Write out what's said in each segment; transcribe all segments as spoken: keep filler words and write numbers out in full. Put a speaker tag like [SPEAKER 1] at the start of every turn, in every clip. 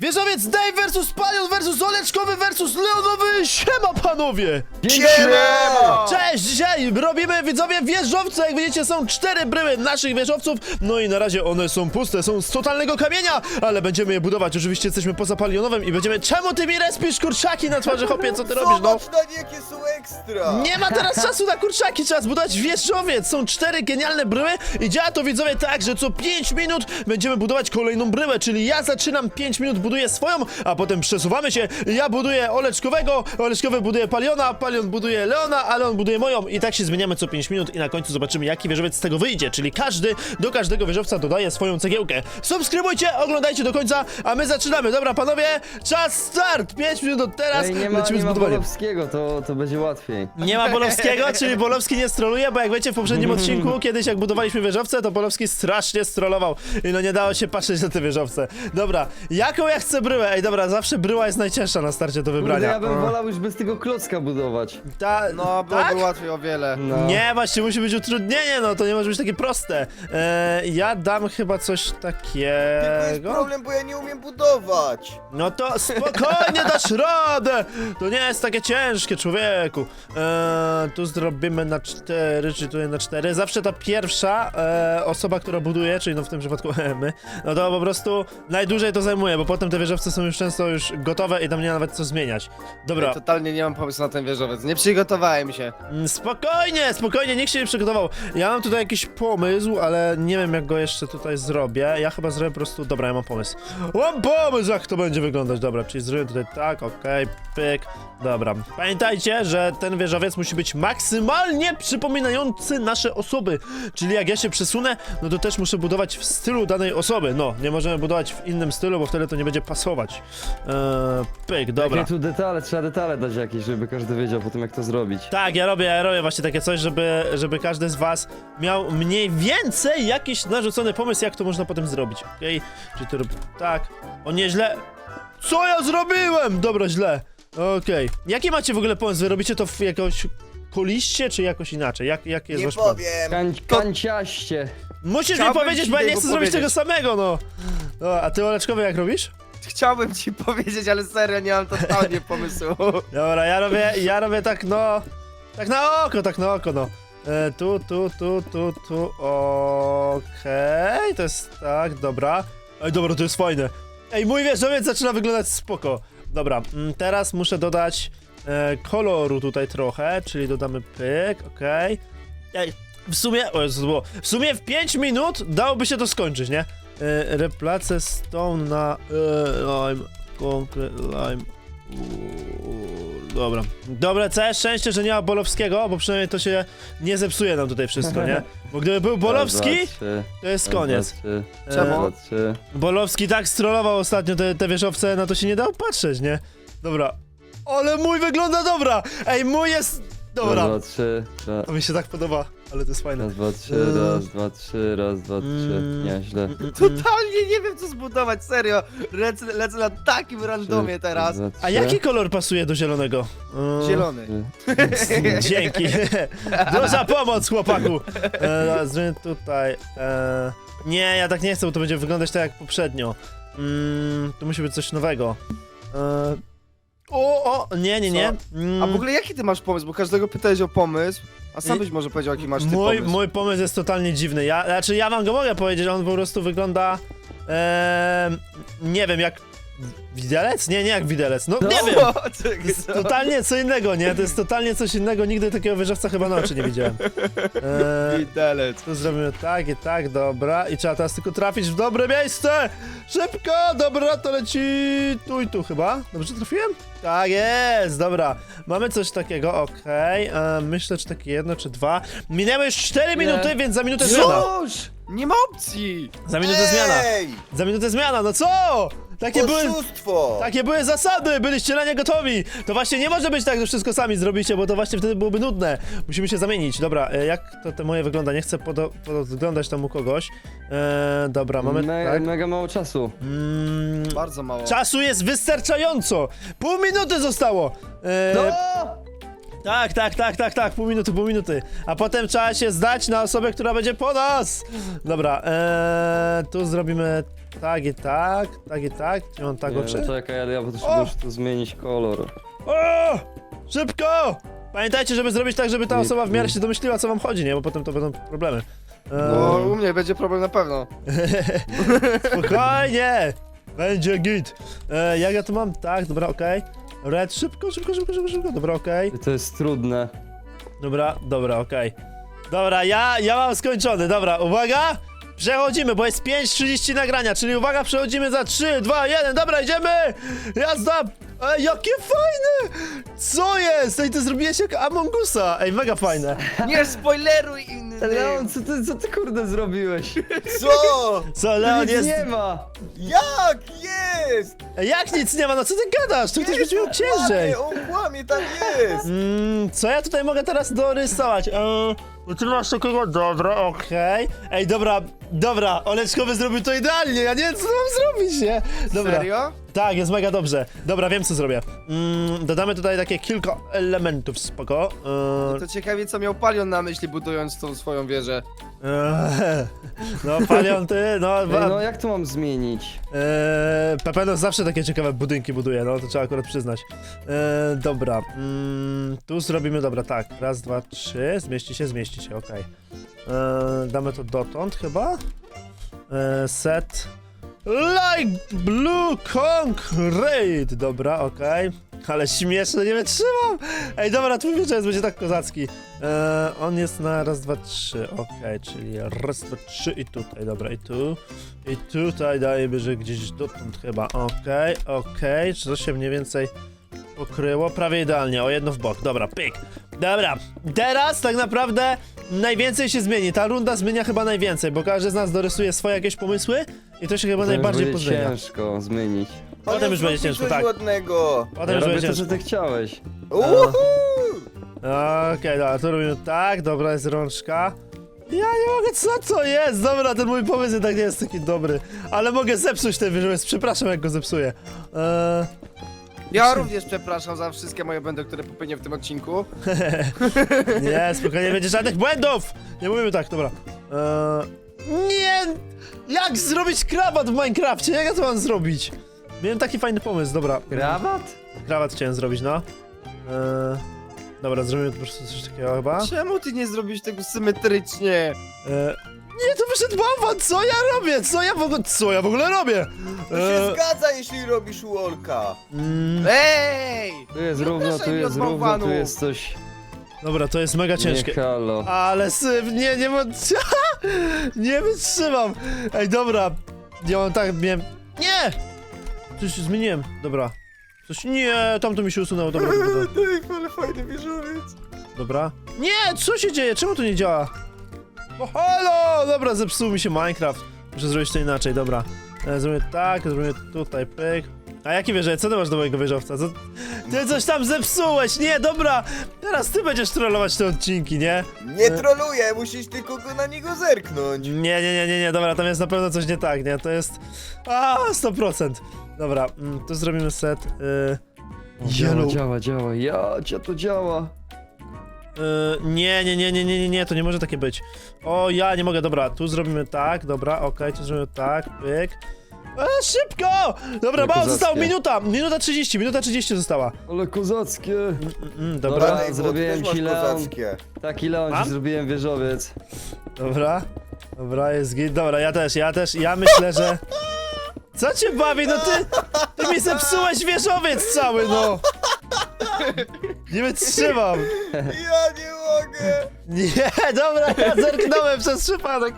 [SPEAKER 1] Wieżowiec Dave versus Palion versus Oleczkowy versus Leonowy. Siema panowie!
[SPEAKER 2] Siema!
[SPEAKER 1] Cześć! Dzisiaj robimy, widzowie, wieżowce. Jak widzicie, są cztery bryły naszych wieżowców. No i na razie one są puste, są z totalnego kamienia, ale będziemy je budować. Oczywiście jesteśmy poza Palionowym i będziemy... Czemu ty mi respisz kurczaki na twarzy, chłopie? Co ty robisz, no?
[SPEAKER 2] Zobacz na nie, jakie są ekstra!
[SPEAKER 1] Nie ma teraz czasu na kurczaki, trzeba zbudować wieżowiec. Są cztery genialne bryły i działa to, widzowie, tak, że co pięć minut będziemy budować kolejną bryłę, czyli ja zaczynam pięć minut, buduję swoją, a potem przesuwamy się. Ja buduję Oleczkowego, Oleczkowy buduje Paliona, Palion buduje Leona, a Leon buduje moją i tak się zmieniamy co pięć minut i na końcu zobaczymy, jaki wieżowiec z tego wyjdzie, czyli każdy do każdego wieżowca dodaje swoją cegiełkę. Subskrybujcie, oglądajcie do końca, a my zaczynamy. Dobra, panowie, czas start! pięć minut od teraz,
[SPEAKER 3] Ej, nie ma,
[SPEAKER 1] lecimy
[SPEAKER 3] nie
[SPEAKER 1] z
[SPEAKER 3] ma
[SPEAKER 1] budowaniem.
[SPEAKER 3] Bolowskiego, to, to będzie łatwiej.
[SPEAKER 1] Nie ma Bolowskiego, czyli Bolowski nie stroluje, bo jak wiecie, w poprzednim odcinku, kiedyś jak budowaliśmy wieżowce, to Bolowski strasznie strollował i no nie dało się patrzeć na te wieżowce. Dobra, jaką ja chcę bryłę? Ej, dobra, zawsze bryła jest najcięższa na starcie do
[SPEAKER 3] Kurde,
[SPEAKER 1] wybrania.
[SPEAKER 3] ja bym wolał już bez tego klocka budować.
[SPEAKER 1] Ta,
[SPEAKER 2] No, byłoby
[SPEAKER 1] tak?
[SPEAKER 2] łatwiej o wiele.
[SPEAKER 3] No.
[SPEAKER 1] Nie, właśnie musi być utrudnienie, no to nie może być takie proste. E, ja dam chyba coś
[SPEAKER 2] Tylko jest
[SPEAKER 1] takiego.
[SPEAKER 2] problem, bo ja nie umiem budować.
[SPEAKER 1] No to spokojnie dasz radę! To nie jest takie ciężkie, człowieku. E, tu zrobimy na cztery, czy tu na cztery. Zawsze ta pierwsza e, osoba, która buduje, czyli no w tym przypadku my, no to po prostu najdłużej to zajmuje, bo potem te wieżowce są już często już gotowe i tam nie ma nawet co zmieniać. Dobra,
[SPEAKER 2] Ja totalnie nie mam pomysłu na ten wieżowiec. Nie przygotowałem się.
[SPEAKER 1] mm, spokojnie, spokojnie, nikt się nie przygotował. Ja mam tutaj jakiś pomysł, ale nie wiem jak go jeszcze tutaj zrobię. Ja chyba zrobię po prostu, dobra, ja mam pomysł. Mam pomysł, jak to będzie wyglądać, dobra, czyli zrobię tutaj tak, okej, pyk, dobra. Pamiętajcie, że ten wieżowiec musi być maksymalnie przypominający nasze osoby, czyli jak ja się przesunę, no to też muszę budować w stylu danej osoby, no, nie możemy budować w innym stylu, bo wtedy to nie będzie pasować. Eee, pyk, dobra.
[SPEAKER 3] Jakie tu detale, trzeba detale dać jakieś, żeby każdy wiedział potem jak to zrobić.
[SPEAKER 1] Tak, ja robię, ja robię właśnie takie coś, żeby, żeby każdy z was miał mniej więcej jakiś narzucony pomysł, jak to można potem zrobić, okej? Czyli to robię tak, o nieźle. Co ja zrobiłem? Dobra, źle. Okej. Jaki macie w ogóle pomysł? Wy robicie to w jakoś koliście, czy jakoś inaczej? Jak, jaki jest
[SPEAKER 2] Nie
[SPEAKER 1] wasz pomysł?
[SPEAKER 2] powiem.
[SPEAKER 3] Kań, kanciaście.
[SPEAKER 1] Musisz
[SPEAKER 2] Chciałbym
[SPEAKER 1] mi powiedzieć,
[SPEAKER 2] ci
[SPEAKER 1] bo ja nie
[SPEAKER 2] tego
[SPEAKER 1] chcę zrobić tego
[SPEAKER 2] powiedzieć.
[SPEAKER 1] samego, no. no. A ty, Oleczkowy, jak robisz?
[SPEAKER 2] Chciałbym ci powiedzieć, ale serio nie mam totalnie pomysłu.
[SPEAKER 1] Dobra, ja robię, ja robię tak, no... Tak na oko, tak na oko, no. E, tu, tu, tu, tu, tu, okej, to jest tak, dobra. Ej, dobra, to jest fajne. Ej, mój wieżowiec zaczyna wyglądać spoko. Dobra, mm, teraz muszę dodać e, koloru tutaj trochę, czyli dodamy pyk, okej. Ej, w sumie, o Jezu, to było, w sumie w pięć minut dałoby się to skończyć, nie? E, replace stone na e, lime, concrete lime. Uuu, dobra. Dobra, całe szczęście, że nie ma Bolowskiego, bo przynajmniej to się nie zepsuje nam tutaj wszystko, nie? Bo gdyby był Bolowski,
[SPEAKER 3] Raz, dwa, trzy.
[SPEAKER 1] to jest
[SPEAKER 3] Raz,
[SPEAKER 1] koniec.
[SPEAKER 3] dwa, trzy.
[SPEAKER 1] Czemu?
[SPEAKER 3] Raz, dwa, trzy.
[SPEAKER 1] Bolowski tak strollował ostatnio te, te wieżowce, na to się nie dało patrzeć, nie? Dobra. Ale mój wygląda dobra! Ej, mój jest... Dobra.
[SPEAKER 3] Raz, dwa, trzy. Raz,
[SPEAKER 1] To mi się tak podoba, ale to jest fajne.
[SPEAKER 3] raz, dwa, trzy,
[SPEAKER 1] Eee.
[SPEAKER 3] raz, dwa, trzy, raz, dwa, trzy.
[SPEAKER 1] Mm.
[SPEAKER 3] Nie, źle.
[SPEAKER 1] Mm, mm, mm.
[SPEAKER 2] Totalnie nie wiem co zbudować, serio. Lecę, lecę na takim randomie teraz.
[SPEAKER 3] Raz, dwa,
[SPEAKER 1] A
[SPEAKER 3] trzy.
[SPEAKER 1] jaki kolor pasuje do zielonego? Eee,
[SPEAKER 2] Zielony.
[SPEAKER 3] Trzy.
[SPEAKER 1] Dzięki. Duża pomoc, chłopaku. E, zmienię tutaj. E, nie, ja tak nie chcę, bo to będzie wyglądać tak jak poprzednio. Mm, to musi być coś nowego. E, o, o, nie, nie, nie. Mm,
[SPEAKER 2] A w ogóle jaki ty masz pomysł? Bo każdego pytałeś o pomysł, a sam
[SPEAKER 1] I-
[SPEAKER 2] byś może powiedział jaki masz ty
[SPEAKER 1] mój,
[SPEAKER 2] pomysł.
[SPEAKER 1] mój pomysł jest totalnie dziwny. Ja, znaczy, ja wam go mogę powiedzieć, on po prostu wygląda. E, nie wiem, jak. Widelec? Nie, nie jak widelec. No, nie wiem.
[SPEAKER 2] O,
[SPEAKER 1] To
[SPEAKER 2] czekaj,
[SPEAKER 1] jest
[SPEAKER 2] co?
[SPEAKER 1] totalnie co innego, nie? To jest totalnie coś innego. Nigdy takiego wieżowca chyba na oczy nie widziałem. E,
[SPEAKER 2] Widelec.
[SPEAKER 1] Tu zrobimy tak i tak, dobra. I trzeba teraz tylko trafić w dobre miejsce! Szybko! Dobra, to leci tu i tu chyba. Dobrze trafiłem? Tak jest, dobra. Mamy coś takiego, okej. E, Myślę, czy takie jedno, czy dwa. Minęły już cztery minuty, więc za minutę zmiana.
[SPEAKER 3] Już!
[SPEAKER 2] Nie ma opcji!
[SPEAKER 1] Za minutę zmiana.
[SPEAKER 2] Ej!
[SPEAKER 1] Za minutę zmiana, no co? Takie były...
[SPEAKER 2] Oszustwo!
[SPEAKER 1] Takie były zasady, byliście na nie gotowi. To właśnie nie może być tak, że wszystko sami zrobicie, bo to właśnie wtedy byłoby nudne. Musimy się zamienić. Dobra, e, jak to te moje wygląda? Nie chcę podo podglądać tam u kogoś. E, dobra, mamy
[SPEAKER 3] Me
[SPEAKER 1] tak.
[SPEAKER 3] Mega mało czasu.
[SPEAKER 1] Mm,
[SPEAKER 2] Bardzo mało.
[SPEAKER 1] czasu jest wystarczająco. Pół minuty zostało. E,
[SPEAKER 3] No!
[SPEAKER 1] Tak, tak, tak, tak, tak, pół minuty, pół minuty. A potem trzeba się zdać na osobę, która będzie po nas. Dobra, e, tu zrobimy tak i tak, tak i tak. Gdzie on tak
[SPEAKER 3] Nie,
[SPEAKER 1] oczy?
[SPEAKER 3] no czekaj, ale ja
[SPEAKER 1] O!
[SPEAKER 3] potrzebuję już tu zmienić kolor.
[SPEAKER 1] O! Szybko! Pamiętajcie, żeby zrobić tak, żeby ta osoba w miarę się domyśliła, co wam chodzi, nie? Bo potem to będą problemy.
[SPEAKER 2] No,
[SPEAKER 1] Eee,
[SPEAKER 2] u mnie będzie problem na pewno.
[SPEAKER 1] Spokojnie! Będzie git. E, jak ja to mam? Tak, dobra, okej. Red, szybko, szybko, szybko, szybko, szybko. Dobra, okej.
[SPEAKER 3] To jest trudne.
[SPEAKER 1] Dobra, dobra, okej. Dobra, ja, ja mam skończony, dobra, uwaga! Przechodzimy, bo jest pięć trzydzieści nagrania, czyli uwaga, przechodzimy za trzy, dwa, jeden, dobra, idziemy! Jazda! Ej, jakie fajne! Co jest? Ej, ty zrobiłeś jak Among Usa! Ej, mega fajne.
[SPEAKER 2] Nie spoileruj innym!
[SPEAKER 3] Leon, co ty, co ty kurde zrobiłeś?
[SPEAKER 4] Co?
[SPEAKER 1] Co, Leon
[SPEAKER 3] Nic
[SPEAKER 1] jest...
[SPEAKER 3] nie ma!
[SPEAKER 4] Jak jest?
[SPEAKER 1] Ej, jak nic nie ma, no co ty gadasz? Tu ktoś będzie miał ciężej.
[SPEAKER 4] Kłamie, on kłamie, tam jest!
[SPEAKER 1] Mm, co ja tutaj mogę teraz dorysować? Eee, no ty masz takiego... Dobra, okej. Ej, dobra, dobra, Oleczkowy zrobił to idealnie, ja nie wiem, co mam zrobić, nie? Dobra.
[SPEAKER 2] Serio?
[SPEAKER 1] Tak, jest mega dobrze. Dobra, wiem, co zrobię. Mm, dodamy tutaj takie kilka elementów, spoko. Eee,
[SPEAKER 2] To ciekawie, co miał Palion na myśli, budując tą swoją wieżę.
[SPEAKER 1] eee, no, Palion, ty, no...
[SPEAKER 3] Ej,
[SPEAKER 1] Wa-
[SPEAKER 3] no jak to mam zmienić?
[SPEAKER 1] Eee, Pepeno zawsze takie ciekawe budynki buduje, no to trzeba akurat przyznać. Eee, dobra, mm, tu zrobimy, dobra, tak, raz, dwa, trzy, zmieści się, zmieści się, okej. Eee, damy to dotąd chyba. Eee, set light blue concrete, dobra, okej. Ale śmieszne, nie wytrzymam! Ej, dobra, twój wieczór będzie tak kozacki. Eee, on jest na raz, dwa, trzy, okej, czyli raz, dwa, trzy i tutaj, dobra, i tu. I tutaj dajemy, że gdzieś dotąd chyba, okej, okej, czy to się mniej więcej pokryło? Prawie idealnie, o jedno w bok, dobra, pyk. Dobra, teraz tak naprawdę najwięcej się zmieni, ta runda zmienia chyba najwięcej, bo każdy z nas dorysuje swoje jakieś pomysły i to się chyba
[SPEAKER 3] To już
[SPEAKER 1] najbardziej
[SPEAKER 3] będzie
[SPEAKER 1] pozmienia.
[SPEAKER 3] ciężko zmienić.
[SPEAKER 1] Potem już będzie ciężko, tak.
[SPEAKER 4] Ładnego.
[SPEAKER 1] Potem
[SPEAKER 3] Ja
[SPEAKER 1] już
[SPEAKER 3] robię
[SPEAKER 1] będzie
[SPEAKER 3] to,
[SPEAKER 1] ciężko.
[SPEAKER 3] co ty chciałeś.
[SPEAKER 4] Uhu!
[SPEAKER 1] Okej, dobra, to robimy tak, dobra, jest rączka. Ja nie mogę, co to jest? Dobra, ten mój pomysł jednak nie jest taki dobry. Ale mogę zepsuć ten wieżowiec, przepraszam jak go zepsuję. Eee,
[SPEAKER 2] Ja również przepraszam za wszystkie moje błędy, które popełnię w tym odcinku.
[SPEAKER 1] nie, spokojnie, nie będzie żadnych błędów! Nie mówimy tak, dobra. Eee, nie! Jak zrobić krawat w Minecrafcie? Jak ja to mam zrobić? Miałem taki fajny pomysł, dobra.
[SPEAKER 3] Krawat?
[SPEAKER 1] Krawat chciałem zrobić, no. Eee, dobra, zrobimy po prostu coś takiego chyba.
[SPEAKER 2] Czemu ty nie zrobisz tego symetrycznie?
[SPEAKER 1] E, nie, to wyszedł bałwan, co ja robię? Co ja w ogóle, co ja w ogóle robię?
[SPEAKER 4] To się zgadza, jeśli robisz Wolka.
[SPEAKER 1] mm,
[SPEAKER 2] Ej!
[SPEAKER 3] Tu jest
[SPEAKER 2] Nie
[SPEAKER 3] równo,
[SPEAKER 2] proszę
[SPEAKER 3] tu
[SPEAKER 2] mi
[SPEAKER 3] jest
[SPEAKER 2] od
[SPEAKER 3] równo, tu
[SPEAKER 2] bałwanów.
[SPEAKER 3] jest coś...
[SPEAKER 1] dobra, to jest mega
[SPEAKER 3] Nie,
[SPEAKER 1] ciężkie.
[SPEAKER 3] halo.
[SPEAKER 1] Ale syf, nie, nie, mo- nie wytrzymam. Ej, dobra, ja mam tak, miałem, nie! Coś zmieniłem, dobra. Coś, nie, tamto mi się usunęło, dobra, dobra, dobra.
[SPEAKER 4] Dave, ale fajny wieżowiec.
[SPEAKER 1] Dobra. Nie, co się dzieje? Czemu to nie działa? O, halo! Dobra, zepsuł mi się Minecraft. Muszę zrobić to inaczej, dobra. E, zrobię tak, zrobię tutaj, pyk. A jaki wieżowiec? Co ty masz do mojego wieżowca? Co... Ty coś tam zepsułeś! Nie, dobra! Teraz ty będziesz trollować te odcinki, nie?
[SPEAKER 4] Nie troluję, musisz tylko go na niego zerknąć.
[SPEAKER 1] Nie, nie, nie, nie, nie, dobra, tam jest na pewno coś nie tak, nie? To jest... A, sto procent. Dobra, mm, tu zrobimy set... Y...
[SPEAKER 3] Działa,
[SPEAKER 1] Yellow.
[SPEAKER 3] działa, działa. Ja, cię to działa.
[SPEAKER 1] Yy, nie, nie, nie, nie, nie, nie, nie, to nie może takie być. O, ja nie mogę, dobra, tu zrobimy tak, dobra, okej, tu zrobimy tak, pyk. E, szybko! Dobra,
[SPEAKER 3] Ale
[SPEAKER 1] mało
[SPEAKER 3] kozackie.
[SPEAKER 1] zostało, minuta, minuta trzydzieści, minuta trzydzieści została.
[SPEAKER 3] Ale kozackie.
[SPEAKER 1] Mm, mm,
[SPEAKER 3] Dobra.
[SPEAKER 1] dobra,
[SPEAKER 4] Dave, bo ty
[SPEAKER 3] zrobiłem
[SPEAKER 4] też masz
[SPEAKER 3] ci, Leon.
[SPEAKER 4] kozackie.
[SPEAKER 3] Taki Leon,
[SPEAKER 1] Mam?
[SPEAKER 3] ci zrobiłem wieżowiec.
[SPEAKER 1] dobra, dobra, jest git, dobra, ja też, ja też, ja myślę, że... Co cię bawi, no ty, ty mi zepsułeś wieżowiec cały, no! Nie wytrzymam!
[SPEAKER 4] Ja nie mogę.
[SPEAKER 1] Nie, dobra, ja zerknąłem przez przypadek.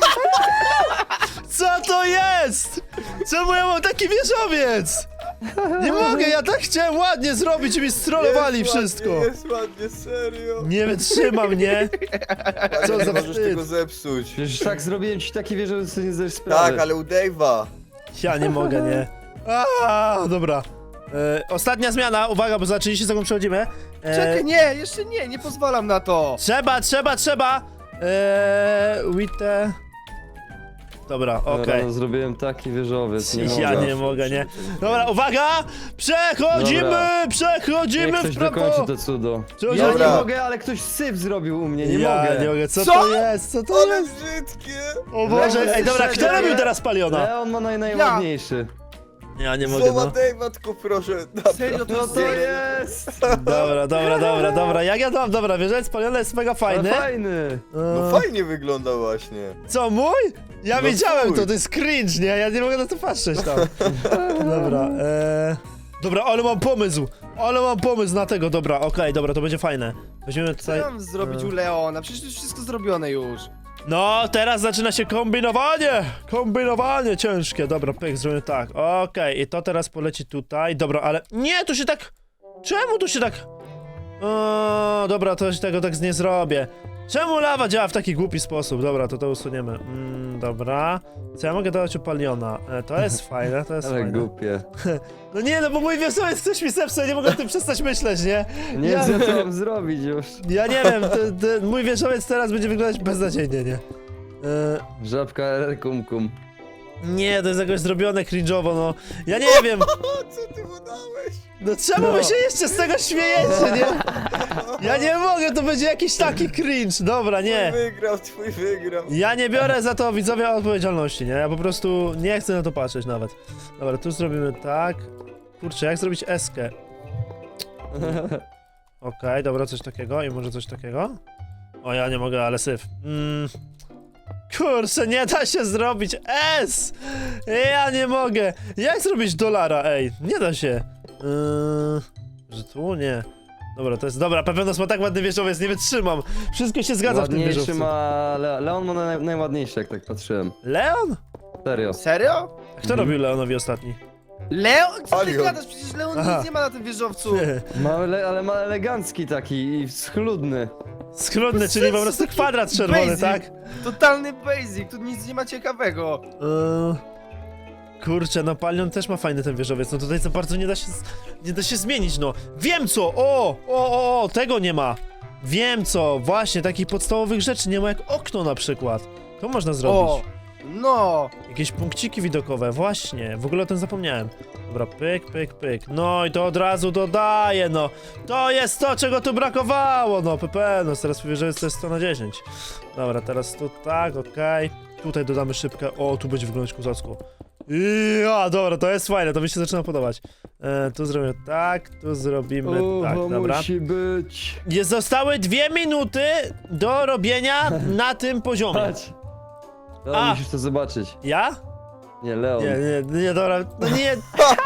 [SPEAKER 1] Co to jest? Czemu ja mam taki wieżowiec? Nie mogę, ja tak chciałem ładnie zrobić i mi strollowali
[SPEAKER 4] Jest
[SPEAKER 1] wszystko.
[SPEAKER 4] Ładnie, jest ładnie, serio.
[SPEAKER 1] Nie wytrzymam, nie? Co
[SPEAKER 4] nie
[SPEAKER 1] za
[SPEAKER 4] możesz
[SPEAKER 1] wstyd.
[SPEAKER 4] tego zepsuć.
[SPEAKER 3] Przecież tak zrobiłem ci taki wieżowiec, co nie zdajesz sprawy.
[SPEAKER 4] Tak, ale u Dave'a.
[SPEAKER 1] Ja nie mogę, nie. A, dobra. E, ostatnia zmiana, uwaga, bo za trzydzieści sekund przechodzimy. E,
[SPEAKER 2] Czekaj, nie, jeszcze nie, nie pozwalam na to.
[SPEAKER 1] Trzeba, trzeba, trzeba! Eee, with the... Dobra,
[SPEAKER 3] Dobra,
[SPEAKER 1] okej.
[SPEAKER 3] no, zrobiłem taki wieżowiec, nie mogę.
[SPEAKER 1] Ja nie mogę, nie. Dobra, uwaga! Przechodzimy!
[SPEAKER 3] Dobra.
[SPEAKER 1] Przechodzimy
[SPEAKER 3] Niech
[SPEAKER 1] w
[SPEAKER 3] ktoś
[SPEAKER 1] prawo!
[SPEAKER 3] dokończy to cudo.
[SPEAKER 1] Co,
[SPEAKER 3] Ja
[SPEAKER 4] Dobra.
[SPEAKER 3] nie mogę, ale ktoś syf zrobił u mnie, nie
[SPEAKER 1] ja
[SPEAKER 3] mogę.
[SPEAKER 1] nie mogę, co,
[SPEAKER 2] Co?
[SPEAKER 1] to jest? Co to
[SPEAKER 4] Ale
[SPEAKER 1] jest?
[SPEAKER 4] brzydkie!
[SPEAKER 1] O Boże, ej dobra, kto
[SPEAKER 3] Serio?
[SPEAKER 1] robił teraz paliona?
[SPEAKER 3] Leon ma naj, najładniejszy.
[SPEAKER 1] Ja nie mogę,
[SPEAKER 4] Słowa
[SPEAKER 1] no.
[SPEAKER 4] Dave'a, tylko proszę. Naprawdę.
[SPEAKER 2] Serio, to
[SPEAKER 3] No
[SPEAKER 2] jest
[SPEAKER 3] to jest!
[SPEAKER 1] Dobra, dobra, dobra, dobra, jak ja to mam? Dobra, wieżowiec paliona jest mega fajny.
[SPEAKER 3] Ale fajny!
[SPEAKER 4] No
[SPEAKER 1] E,
[SPEAKER 4] fajnie wygląda właśnie.
[SPEAKER 1] Co, mój? Ja
[SPEAKER 4] No
[SPEAKER 1] wiedziałem
[SPEAKER 4] twój.
[SPEAKER 1] to, to jest cringe, nie? Ja nie mogę na to patrzeć tam. Dobra, eee... Dobra, ale mam pomysł! Ale mam pomysł na tego, dobra, okej, dobra, to będzie fajne. Weźmiemy
[SPEAKER 2] Co
[SPEAKER 1] tutaj...
[SPEAKER 2] ja mam zrobić u Leona? Przecież to jest wszystko zrobione już.
[SPEAKER 1] No, teraz zaczyna się kombinowanie! Kombinowanie ciężkie. Dobra, pyk, zrobimy tak. Okej, i to teraz poleci tutaj. Dobra, ale... Nie, to się tak... Czemu tu się tak... O, dobra, to się tego tak nie zrobię. Czemu lawa działa w taki głupi sposób? Dobra, to to usuniemy. Mm, dobra. Co ja mogę dodać u paliona? E, to jest fajne, to jest
[SPEAKER 3] Ale
[SPEAKER 1] fajne.
[SPEAKER 3] głupie.
[SPEAKER 1] No nie, no bo mój wieżowiec coś mi zepsuł, ja nie mogę o tym przestać myśleć, nie?
[SPEAKER 3] Nie
[SPEAKER 1] Ja-
[SPEAKER 3] wiem, co mam zrobić już.
[SPEAKER 1] Ja nie wiem, to, to, mój wieżowiec teraz będzie wyglądać beznadziejnie, nie? E,
[SPEAKER 3] Żabka R R kum kum.
[SPEAKER 1] Nie, to jest jakoś zrobione cringe'owo, no. Ja nie wiem,
[SPEAKER 4] O, co ty mu dałeś?
[SPEAKER 1] no czemu wy się jeszcze z tego śmiejecie, nie? Ja nie mogę, to będzie jakiś taki cringe, dobra, nie.
[SPEAKER 4] Twój wygrał, twój wygrał.
[SPEAKER 1] Ja nie biorę za to, widzowie, odpowiedzialności, nie? Ja po prostu nie chcę na to patrzeć nawet. Dobra, tu zrobimy tak. Kurczę, jak zrobić eskę? Okej, dobra, coś takiego i może coś takiego? O, ja nie mogę, ale syf. Mm. Kurczę, nie da się zrobić S! Ja nie mogę! Jak zrobić dolara, ej? Nie da się. Yy, że tu nie. Dobra, to jest... Dobra, Pepenos ma tak ładny wieżowiec, nie wytrzymam. Wszystko się zgadza w tym
[SPEAKER 3] Ładniejszy
[SPEAKER 1] wieżowcu.
[SPEAKER 3] ma... Le Leon ma naj, najładniejszy, jak tak patrzyłem.
[SPEAKER 1] Leon?
[SPEAKER 3] Serio.
[SPEAKER 2] Serio?
[SPEAKER 1] A kto robił Leonowi ostatni?
[SPEAKER 2] Leon? Co ty
[SPEAKER 4] Alion.
[SPEAKER 2] gadasz? Przecież Leon
[SPEAKER 1] Aha.
[SPEAKER 2] nic nie ma na tym wieżowcu.
[SPEAKER 3] Ma, ele, ale ma elegancki taki i schludny.
[SPEAKER 1] Schludny, czyli po prostu kwadrat czerwony,
[SPEAKER 2] Basic.
[SPEAKER 1] tak?
[SPEAKER 2] Totalny basic, tu nic nie ma ciekawego.
[SPEAKER 1] Yy, kurczę, no Palion też ma fajny ten wieżowiec, no tutaj za bardzo nie da się, z- nie da się zmienić, no. Wiem co, o, o, o, o, tego nie ma. Wiem co, właśnie, takich podstawowych rzeczy nie ma jak okno na przykład. To można zrobić.
[SPEAKER 2] O, no.
[SPEAKER 1] Jakieś punkciki widokowe, właśnie, w ogóle o tym zapomniałem. Dobra, pyk, pyk, pyk, no i to od razu dodaję, no. To jest to, czego tu brakowało, no, Pepe, no teraz wieżowiec to jest sto na dziesięć. Dobra, teraz tu tak, okej. Tutaj dodamy szybkę, o, tu będzie wyglądać kozacko. Ja, dobra, to jest fajne, to mi się zaczyna podobać. E, tu zrobimy tak, tu zrobimy tak,
[SPEAKER 3] Ucho,
[SPEAKER 1] dobra.
[SPEAKER 3] musi być.
[SPEAKER 1] Jest, zostały dwie minuty do robienia na tym poziomie.
[SPEAKER 3] Patrz.
[SPEAKER 1] A.
[SPEAKER 3] Leon, musisz to zobaczyć.
[SPEAKER 1] Ja?
[SPEAKER 3] Nie, Leon.
[SPEAKER 1] Nie, nie, nie, dobra, no nie.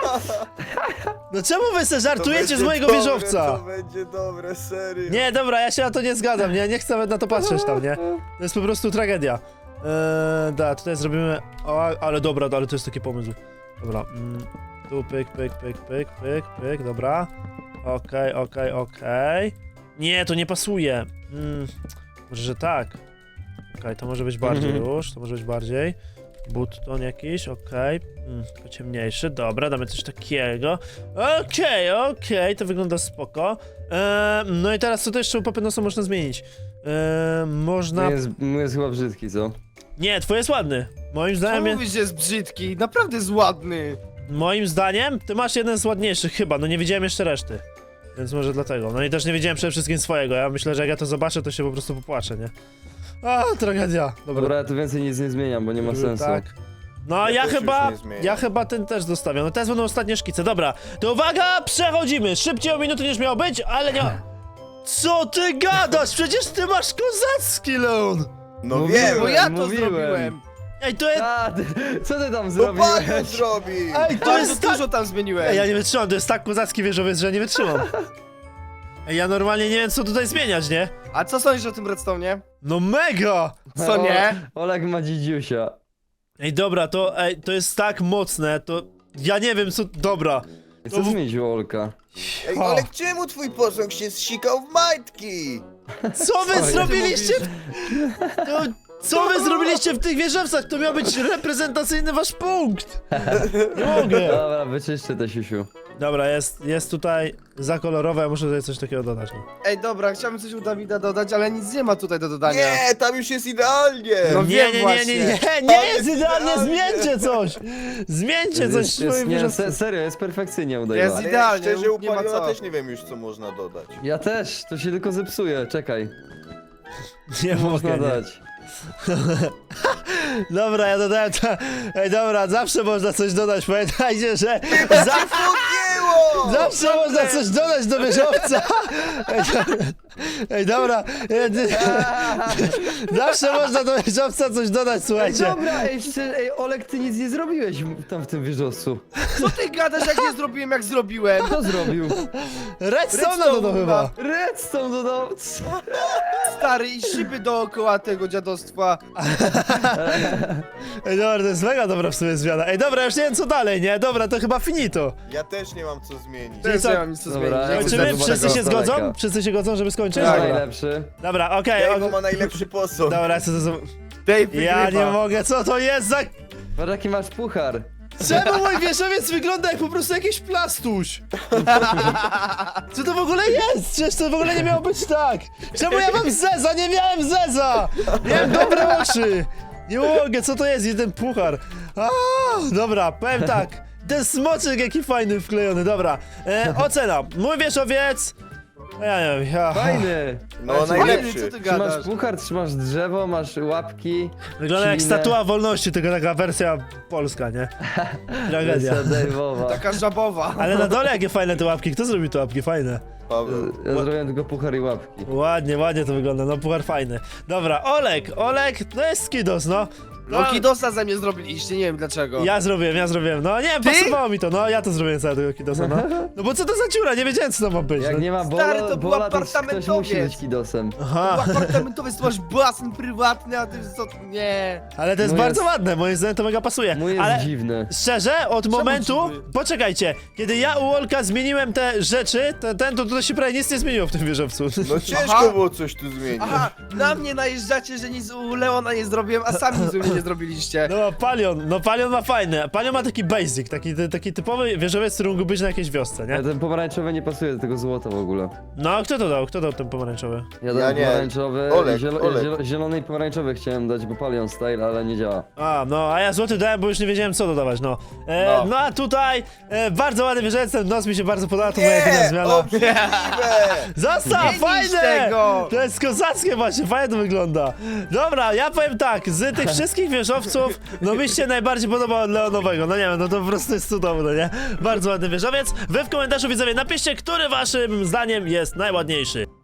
[SPEAKER 1] No czemu wy se
[SPEAKER 4] To
[SPEAKER 1] żartujecie z
[SPEAKER 4] będzie
[SPEAKER 1] mojego
[SPEAKER 4] dobre,
[SPEAKER 1] wieżowca?
[SPEAKER 4] To będzie dobre, serio.
[SPEAKER 1] Nie, dobra, ja się na to nie zgadzam, nie, nie chcę nawet na to patrzeć tam, nie? To jest po prostu tragedia. Eee, da, tutaj zrobimy... O, ale dobra, ale to jest taki pomysł. Dobra, mm, tu pyk, pyk, pyk, pyk, pyk, pyk, dobra. Okej, okej, okej. Nie, to nie pasuje. Mm, może, że tak. Okej, to może być bardziej
[SPEAKER 3] Mhm.
[SPEAKER 1] już, to może być bardziej. Button jakiś, okej. Mm, tylko ciemniejszy, dobra, damy coś takiego. Okej, okej, to wygląda spoko. Eee, no i teraz co to jeszcze u Papynosa można zmienić? Eee, można...
[SPEAKER 3] Mój jest, mój jest chyba brzydki, co?
[SPEAKER 1] Nie, twój jest ładny. Moim
[SPEAKER 2] Co
[SPEAKER 1] zdaniem, je-
[SPEAKER 2] mówisz, że jest brzydki? Naprawdę jest ładny.
[SPEAKER 1] moim zdaniem, ty masz jeden z ładniejszych chyba, no nie widziałem jeszcze reszty. Więc może dlatego. No i też nie widziałem przede wszystkim swojego. Ja myślę, że jak ja to zobaczę, to się po prostu popłaczę, nie? A, tragedia. Dobra,
[SPEAKER 3] Dobra, ja tu więcej nic nie zmieniam, bo nie ma sensu.
[SPEAKER 1] tak. No
[SPEAKER 4] Ja
[SPEAKER 1] ja,
[SPEAKER 4] też już
[SPEAKER 1] chyba,
[SPEAKER 4] nie zmieniam.
[SPEAKER 1] ja chyba ten też zostawiam. No teraz będą ostatnie szkice, dobra. To uwaga, przechodzimy. Szybciej o minutę niż miało być, ale nie ma... Co ty gadasz? Przecież ty masz kozacki, Leon!
[SPEAKER 4] No
[SPEAKER 3] Mówiłem.
[SPEAKER 4] wiem,
[SPEAKER 2] Bo ja to
[SPEAKER 3] mówiłem.
[SPEAKER 2] zrobiłem.
[SPEAKER 1] Ej, to jest...
[SPEAKER 3] A, ty, co ty tam
[SPEAKER 4] to Palion
[SPEAKER 3] zrobiłeś?
[SPEAKER 4] zrobi.
[SPEAKER 1] Ej, to
[SPEAKER 2] Bardzo
[SPEAKER 1] jest tak...
[SPEAKER 2] dużo tam zmieniłem.
[SPEAKER 1] Ej, ja nie wytrzymam, to jest tak kozacki wieżowiec, że ja nie wytrzymam. Ej, ja normalnie nie wiem, co tutaj zmieniać, nie?
[SPEAKER 2] A co sądzisz o tym redstone'ie?
[SPEAKER 1] No mega!
[SPEAKER 2] Co nie?
[SPEAKER 3] O, Oleg ma dzidziusia.
[SPEAKER 1] Ej, dobra, to, ej, to jest tak mocne, to... Ja nie wiem, co... Dobra.
[SPEAKER 3] Co
[SPEAKER 1] To-
[SPEAKER 3] zmienił Olka?
[SPEAKER 4] Ej,
[SPEAKER 1] O.
[SPEAKER 4] ale czemu twój posąg się zsikał w majtki?
[SPEAKER 1] Co wy
[SPEAKER 3] Co ty
[SPEAKER 1] zrobiliście? To, co wy zrobiliście w tych wieżowcach? To miał być reprezentacyjny wasz punkt. Nie mogę.
[SPEAKER 3] Dobra, wyczyszczę te siusiu.
[SPEAKER 1] Dobra, jest, jest tutaj za kolorowe, ja muszę tutaj coś takiego dodać. No.
[SPEAKER 2] Ej, dobra, chciałbym coś u Dawida dodać, ale nic nie ma tutaj do dodania.
[SPEAKER 4] Nie, tam już jest idealnie!
[SPEAKER 2] No
[SPEAKER 1] Nie,
[SPEAKER 2] wiem
[SPEAKER 1] nie, nie, nie, nie,
[SPEAKER 2] właśnie.
[SPEAKER 1] nie
[SPEAKER 4] To
[SPEAKER 1] jest
[SPEAKER 4] jest
[SPEAKER 1] idealnie,
[SPEAKER 4] idealnie.
[SPEAKER 1] zmieńcie coś! Zmieńcie coś
[SPEAKER 3] Jest,
[SPEAKER 1] w
[SPEAKER 3] jest,
[SPEAKER 1] swoim
[SPEAKER 3] nie,
[SPEAKER 1] wieżowcu.
[SPEAKER 3] se, serio, jest perfekcyjnie udaje.
[SPEAKER 2] Jest
[SPEAKER 4] Ale
[SPEAKER 2] idealnie,
[SPEAKER 4] szczerze, u
[SPEAKER 2] nie ma
[SPEAKER 4] Paliona
[SPEAKER 2] co.
[SPEAKER 4] też nie wiem już, co można dodać.
[SPEAKER 3] Ja też, to się tylko zepsuje, czekaj.
[SPEAKER 1] Nie
[SPEAKER 3] Można
[SPEAKER 1] mogę, nie.
[SPEAKER 3] dać.
[SPEAKER 1] Dobra, ja dodałem to. Ej, dobra, zawsze można coś dodać, pamiętajcie, że za...
[SPEAKER 4] Podjęło!
[SPEAKER 1] zawsze można coś dodać do wieżowca. Ej, dobra. Ej, dobra. Ej, ty- zawsze można do wieżowca coś dodać,
[SPEAKER 3] Ej,
[SPEAKER 1] słuchajcie.
[SPEAKER 3] dobra, ej, szczerze, ej, Olek, ty nic nie zrobiłeś w- tam w tym wieżowcu.
[SPEAKER 2] Co ty gadasz, jak nie zrobiłem, jak zrobiłem?
[SPEAKER 3] Kto zrobił?
[SPEAKER 1] Redstone dodał chyba.
[SPEAKER 3] Redstone dodał.
[SPEAKER 2] Stary, i szyby dookoła tego dziadostwa.
[SPEAKER 1] Ej, dobra, to jest mega dobra w sumie zmiana. Ej, dobra, już nie wiem co dalej, nie? Dobra, to chyba finito.
[SPEAKER 4] Ja też nie mam co zmienić.
[SPEAKER 2] Też
[SPEAKER 1] co?
[SPEAKER 2] nie mam nic co
[SPEAKER 3] Dobra,
[SPEAKER 2] zmienić.
[SPEAKER 3] ja
[SPEAKER 2] Jak
[SPEAKER 3] chcę
[SPEAKER 1] Czy my
[SPEAKER 3] zobaczyć
[SPEAKER 1] wszyscy się
[SPEAKER 3] tego
[SPEAKER 1] zgodzą?
[SPEAKER 3] daleka.
[SPEAKER 1] Wszyscy się godzą, żeby skończyć?
[SPEAKER 3] Kto jest
[SPEAKER 2] Tak.
[SPEAKER 3] najlepszy?
[SPEAKER 1] Dobra, okej,
[SPEAKER 4] Tego
[SPEAKER 1] okay,
[SPEAKER 4] ma najlepszy posąg.
[SPEAKER 1] dobra, co to za...
[SPEAKER 2] Dave
[SPEAKER 1] Ja
[SPEAKER 2] wygrywa.
[SPEAKER 1] nie mogę, co to jest za...
[SPEAKER 3] Patrz jaki masz puchar.
[SPEAKER 1] Czemu mój wieżowiec wygląda jak po prostu jakiś plastuś? Co to w ogóle jest? Przecież to w ogóle nie miało być tak! Czemu ja mam zeza? Nie miałem zeza! Miałem dobre oczy! Nie mogę, co to jest? Jeden puchar. A, dobra, powiem tak. Ten smoczek jaki fajny wklejony, dobra. E, ocena. Mój wieżowiec... Ja nie wiem, ja...
[SPEAKER 3] Fajny.
[SPEAKER 4] No,
[SPEAKER 3] Patrz,
[SPEAKER 2] Fajny,
[SPEAKER 4] najlepszy.
[SPEAKER 2] co ty
[SPEAKER 3] Trzymasz
[SPEAKER 2] gadasz?
[SPEAKER 3] puchar, trzymasz drzewo, masz łapki.
[SPEAKER 1] Wygląda jak
[SPEAKER 3] ślinę.
[SPEAKER 1] statua wolności, tylko taka wersja polska, nie? Tragedia.
[SPEAKER 3] Wersja Dave'owa.
[SPEAKER 2] Taka żabowa.
[SPEAKER 1] Ale na dole jakie fajne te łapki. Kto zrobił te łapki? Fajne.
[SPEAKER 4] Paweł.
[SPEAKER 3] Ja zrobiłem tylko puchar i łapki.
[SPEAKER 1] Ładnie, ładnie to wygląda, no puchar fajny. Dobra, Olek, Olek, to jest skidos, no.
[SPEAKER 2] No kidosa ze mnie zrobiliście, nie wiem dlaczego.
[SPEAKER 1] Ja zrobiłem, ja zrobiłem, no nie wiem,
[SPEAKER 2] Ty?
[SPEAKER 1] pasowało mi to, no ja to zrobiłem całego kidosa, no. No bo co to za dziura, nie wiedziałem co to ma być.
[SPEAKER 3] Jak
[SPEAKER 1] no.
[SPEAKER 3] nie ma
[SPEAKER 2] Stary,
[SPEAKER 3] bola,
[SPEAKER 2] to był
[SPEAKER 3] bola to ktoś musi
[SPEAKER 2] apartamentowiec.
[SPEAKER 3] być kidosem.
[SPEAKER 1] Aha,
[SPEAKER 2] Apartamentowy, to masz basen prywatny, a ty co? Nie.
[SPEAKER 1] ale to jest
[SPEAKER 3] Mój
[SPEAKER 1] bardzo
[SPEAKER 3] jest-
[SPEAKER 1] ładne, moim zdaniem to mega pasuje.
[SPEAKER 3] Mój jest
[SPEAKER 1] Ale
[SPEAKER 3] dziwny.
[SPEAKER 1] szczerze, od momentu,
[SPEAKER 2] dziwny?
[SPEAKER 1] poczekajcie, kiedy ja u Olka zmieniłem te rzeczy, ten, ten to tutaj się prawie nic nie zmieniło w tym wieżowcu.
[SPEAKER 4] No ciężko
[SPEAKER 2] Aha.
[SPEAKER 4] było coś tu zmienić.
[SPEAKER 2] Aha, na mnie najeżdżacie, że nic u Leona nie zrobiłem, a sami nic u mnie nie zrobiliście.
[SPEAKER 1] No Palion, no Palion ma fajne, Palion ma taki basic, taki, taki typowy wieżowiec, który mógłby być na jakiejś wiosce, nie?
[SPEAKER 3] Ale ten pomarańczowy nie pasuje do tego złota w ogóle.
[SPEAKER 1] No, kto to dał? Kto dał ten pomarańczowy?
[SPEAKER 3] Ja dałem
[SPEAKER 4] nie.
[SPEAKER 3] pomarańczowy,
[SPEAKER 4] Olek,
[SPEAKER 3] zielo,
[SPEAKER 4] Olek.
[SPEAKER 3] zielo, zielony i pomarańczowy chciałem dać, bo Palion style, ale nie działa.
[SPEAKER 1] A, no, a ja złoty dałem, bo już nie wiedziałem co dodawać, no. E, no.
[SPEAKER 4] No.
[SPEAKER 1] a tutaj e, bardzo ładny wieżowiec, ten nos mi się bardzo podoba, to moja jedyna
[SPEAKER 4] Nie,
[SPEAKER 1] zmiana.
[SPEAKER 4] obrzydliwe!
[SPEAKER 1] Zostaw,
[SPEAKER 2] Nie
[SPEAKER 1] fajne!
[SPEAKER 2] niszcz tego!
[SPEAKER 1] To jest kozackie właśnie, fajnie to wygląda. Dobra, ja powiem tak, z tych wszystkich wieżowców, no mi się najbardziej podoba od Leonowego, no nie wiem, no to po prostu jest cudowne, nie? Bardzo ładny wieżowiec. Wy w komentarzu widzowie napiszcie, który waszym zdaniem jest najładniejszy.